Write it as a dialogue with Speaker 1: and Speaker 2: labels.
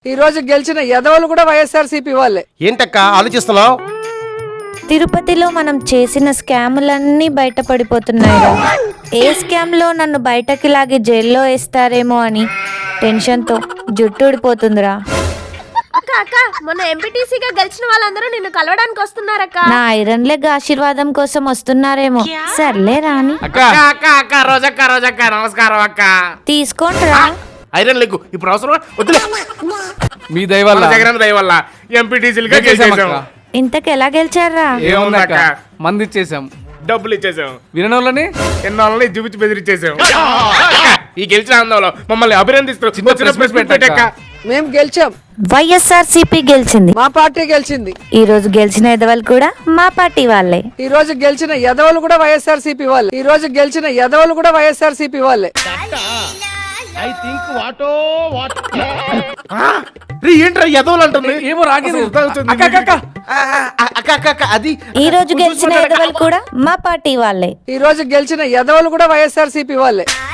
Speaker 1: ఈ రోజు గెలిచిన ఎదవలు కూడా వైఎస్ఆర్సీపీ వాళ్ళే.
Speaker 2: ఏంటక్క ఆలోచిస్తున్నావు?
Speaker 3: తిరుపతిలో మనం చేసిన స్కాములన్నీ బయటపడిపోతున్నాయిరా. ఏ స్కామ్ లో నన్ను బయటకి లాగి జైల్లో వేస్తారేమో అని టెన్షన్తో జుట్టు ఊడిపోతుందిరా.
Speaker 4: అక్క అక్క మొన్న ఎంపీటీసీగా గెలిచిన వాళ్ళందరూ నిన్ను కలవడానికి వస్తున్నారక్క.
Speaker 3: నా ఐరన్ లెగ్ ఆశీర్వాదం కోసం వస్తున్నారేమో. సర్లే రాని.
Speaker 2: అక్క రోజక్క నమస్కారం అక్క.
Speaker 3: తీసుకోండిరా.
Speaker 2: ఐరన్ లెగ్ ఇప్పుడు అవసరం వద్దులే.
Speaker 5: మీ దయ వల్ల
Speaker 2: జగన్ దయ వల్ల ఎంపీటీసీలుగా గెలిచేసాం.
Speaker 3: ఇంతకు ఎలా గెలిచారా?
Speaker 5: ఏముందక్క, మంది ఇచ్చేసాం,
Speaker 2: డబ్బులు ఇచ్చేసాం,
Speaker 5: వినోళ్ళని
Speaker 2: ఎన్నోళ్ళని చూపించి బెదిరించేసాం. ఈ గెలిచిన ఆందోళన మమ్మల్ని అభినందిస్తూ
Speaker 1: మేము గెలిచాం,
Speaker 3: వైఎస్ఆర్సీపీ గెలిచింది,
Speaker 1: మా పార్టీ గెలిచింది.
Speaker 3: ఈ రోజు గెలిచిన ఎదవలు కూడా మా పార్టీ వాళ్ళే.
Speaker 1: ఈ రోజు గెలిచిన ఎదవలు కూడా వైఎస్ఆర్సీపీ వాళ్ళే. ఈ రోజు గెలిచిన ఎదవలు కూడా వైఎస్ఆర్సీపీ వాళ్ళే.
Speaker 2: ఏంట్రా ఎదవలు అంటుంది?
Speaker 5: ఏమో రాగింది.
Speaker 2: అది
Speaker 3: ఈ రోజు గెలిచిన ఎదవలు కూడా మా పార్టీ వాళ్ళే.
Speaker 1: ఈ రోజు గెలిచిన ఎదవలు కూడా వైఎస్ఆర్సీపీ వాళ్ళే.